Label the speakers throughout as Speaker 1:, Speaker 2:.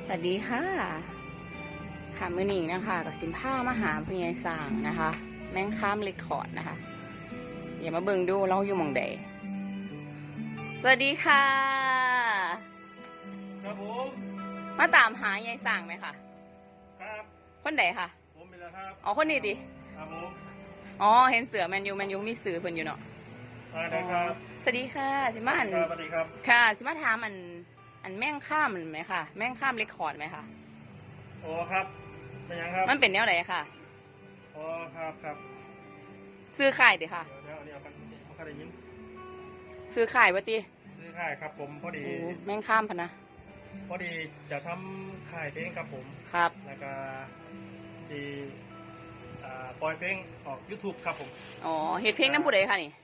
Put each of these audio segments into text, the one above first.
Speaker 1: สวัสดีค่ะค่ะมื้อนี้นะคะกับสินผ้ามาหาพญายสร้างนะคะ แม่งข้ามเรคคอร์ดนะคะอย่ามาเบิ่งดูเราอยู่หม่องใดสวัสดีค่ะ
Speaker 2: ครับผม
Speaker 1: มาตามหายายสร้างไหมคะ
Speaker 2: ครับ
Speaker 1: คนใดคะ
Speaker 2: ผมเป็นแล้วครับ
Speaker 1: อ๋อคนนี้ดิ
Speaker 2: ครับผม
Speaker 1: อ๋อเห็นเสือแมนยูมีสื่อเพิ่นอยู่เนาะ
Speaker 2: ได้ครับ
Speaker 1: สวัสดีค่ะสิมาอัน
Speaker 2: ครับสวัสดีครับ
Speaker 1: ค่ะสิมาถามอันแม่งข้ามมันไหมคะแม่งข้ามเรคคอร์ดไหมคะ
Speaker 2: โอ้ครับเป็นยังครับ
Speaker 1: มันเป็นแนวไหนค่ะ
Speaker 2: โอ้ครับครับ
Speaker 1: ซื้อขายดิค่ะ
Speaker 2: เดี๋ยวเอากันเอากันได้ยิน
Speaker 1: ซื้อขายวัติ
Speaker 2: ซื้อค่ายครับผมพอดี
Speaker 1: โอ้แม่งข้ามพะนะ
Speaker 2: พอดีจะทำค่ายเพลงครับผม
Speaker 1: ครับ
Speaker 2: แล้วก็สีปล่อยเพลงออก YouTube ครับผม
Speaker 1: อ๋อเฮ็ดเพลงน้ำผู้ใดคะนี่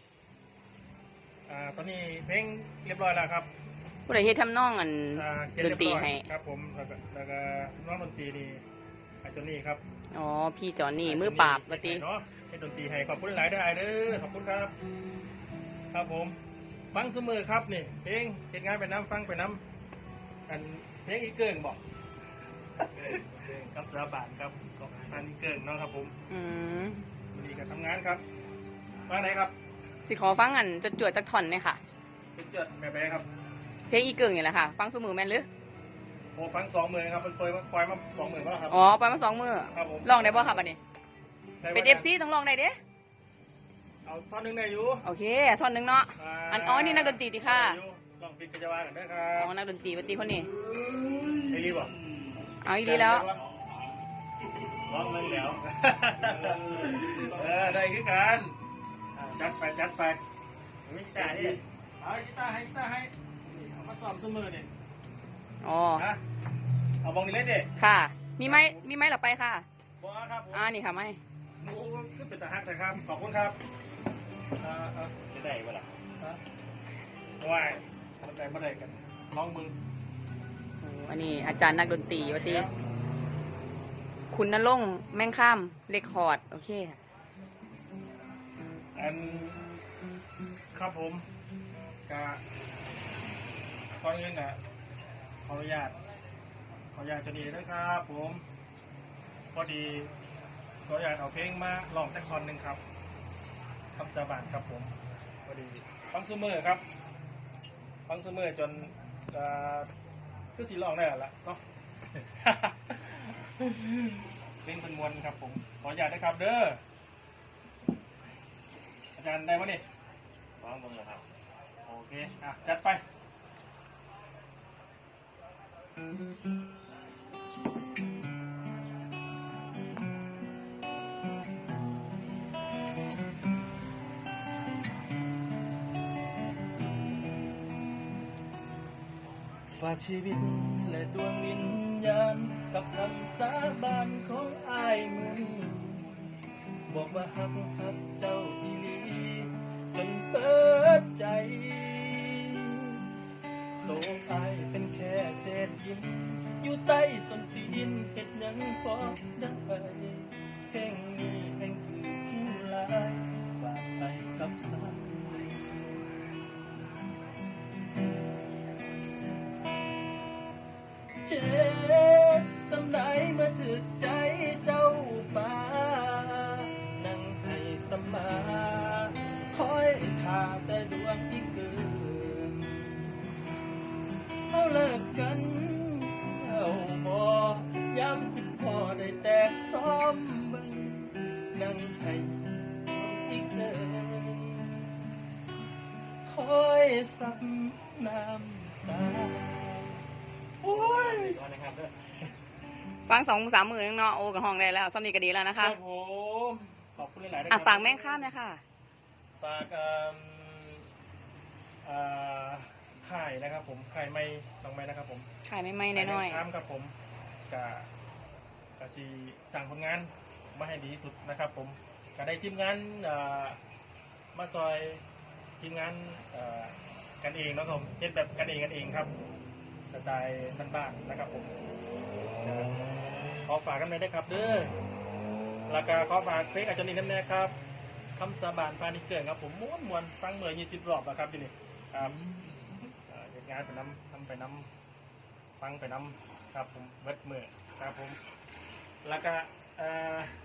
Speaker 2: ตอนนี้เพลงเรียบร้อยแล้วครับ
Speaker 1: ผู้ใดเฮ็ดทำนองอัน
Speaker 2: เขียน
Speaker 1: ด
Speaker 2: เรี
Speaker 1: น
Speaker 2: ยบ
Speaker 1: ตรี
Speaker 2: ร้อย
Speaker 1: ให้
Speaker 2: ครับผมแล้วก็น้องดนตรีนี่อาจารย์นี่ครับ
Speaker 1: อ๋อพี่จอนนี่มือปราบวัติ
Speaker 2: เนาะให้ดนตรีให้ขอบคุณหลายเด้อไอเด้อขอบคุณครับ ครับผมฟังเสมอครับนี่เพลงเฮ็ดงานไปน้ำฟังไปน้ำอันเพลงอีเกิงบอกเพลงกับสาบานครับกับอันอีเกิงเนาะครับผม
Speaker 1: อืม
Speaker 2: วันนี้ก็ทำงานครับว่าไหนครับ
Speaker 1: สิขอฟังอันจวดๆจากท่อนเนี่ยค่ะ
Speaker 2: เป็นเจิดแบบไหนครับ
Speaker 1: เพลงอีเกิงนี่แหละค่ะ ฟังซุมือแม่นหรือ
Speaker 2: โอ้ฟัง20,000ครับมันปล่อยมา20,000แล้วครับ
Speaker 1: อ๋อไปมา2 มื้อ
Speaker 2: ครับผม
Speaker 1: ลองได้บ่ครับอันนี้
Speaker 2: ได้
Speaker 1: เป็น
Speaker 2: บ่
Speaker 1: FC ต้องลองได้เด้
Speaker 2: เอาท่อนหนึงได้อยู่
Speaker 1: โอเคท่อนหนึงเนาะอันอ๋อนี่นักดนตรีติค่ะ
Speaker 2: ได้อยู่ลองปิดกระจาวากันเด้อครั
Speaker 1: อ๋อบ นักดนตรีวัติคนนี้
Speaker 2: ไอ้รีบบ่
Speaker 1: เอาอีดีแล้ว
Speaker 2: ร้องมันแล้วได้คือกันจัดไปมีกีตาร์นี่เอากีตาร์ให้เอามาซ้อมซุมือนี่
Speaker 1: อ๋อ
Speaker 2: ฮะเอาบองนี่เล่นดิ
Speaker 1: ค่ะมีไหมหรอไปค่ะ
Speaker 2: บอครับผม
Speaker 1: นี่ค่ะไม่
Speaker 2: หมูก็เป็นตาฮักแต่ครับขอบคุณครับจะได้เวลาว่ายมันได้กันลองมึง
Speaker 1: โอ้อันนี้อาจารย์นักดนตรีวัติคุณนรงค์แม่งข้ามเรคคอร์ดโอเคค่ะ
Speaker 2: อันครับผมกะก่อนอื่นอ่ะขออนุญาตจะดีด้วยครับผมพอดีขออนุญาตเอาเพลงมาลองแต่คอนหนึ่งครับคำสาบานครับผมพอดีฟังซูเมอร์ครับฟังซูเมอร์จนคือสีลองได้แล้วล่ะเนาะ เพลงเป็นมวลครับผมขออนุญาตนะครับเด้ออาจารย์ได้ปะนี่ฟังมึงเหรอครับโอเคจัดไปฝากชีวิตและดวงวิญญาณกับคำสาบานของอ้ายมือบอกว่าฮักเจ้าอีหลีจนเปิดใจโตอายเป็นแค่เศษหินอยู่ใต้ส้นตีนเฮ็ดหยังพอได้เพลงนี้แห่งคือผู้ลายฝากไปกับสายเจ็บสำไหนเมื่อถึกใจเจ้าป่านั่งให้สมาคอยท่าแต่ดวงที่เกินเอาเลิกกันเอาบ่ย้ำคิดพอได้แตกซ้อมมึงนั่งให้อีกเดินคอยซับน้ำตาโอ้ย
Speaker 1: ฟัง2-3 มื้อนึงเนาะโอ้กับห้องได้แล้วซ้ำนี้ก็ดีแล้วนะ
Speaker 2: ครั
Speaker 1: คะ
Speaker 2: บผมขอบคุณหลายๆนะครับ
Speaker 1: ฝากแม่งข้ามนะค่ะ
Speaker 2: ฝากค่ายนะครับผมค่ายไม่ต้องไม่นะครับผม
Speaker 1: ขายไม่น้อย
Speaker 2: ค่ายครับผมกะสีสั่งผลงานมาให้ดีที่สุดนะครับผมก็ได้ทีมงานมาซอยทีมงานกันเองเนาะครับเฮ็ดแบบกันเองครับสไตล์บ้านๆนะครับผมขอฝากกันเลยได้ครับเด้อแล้วก็ขอฝากเพลงอาจารย์นินน้ำแน่ครับคำสาบานปานิเกิดครับผมม้วนฟังเมื่อ20 รอบแล้วครับที่นี่ครับเหตุงานไปน้ำทำไปน้ำฟังไปน้ำครับผมเบิดมือครับผมแล้วก็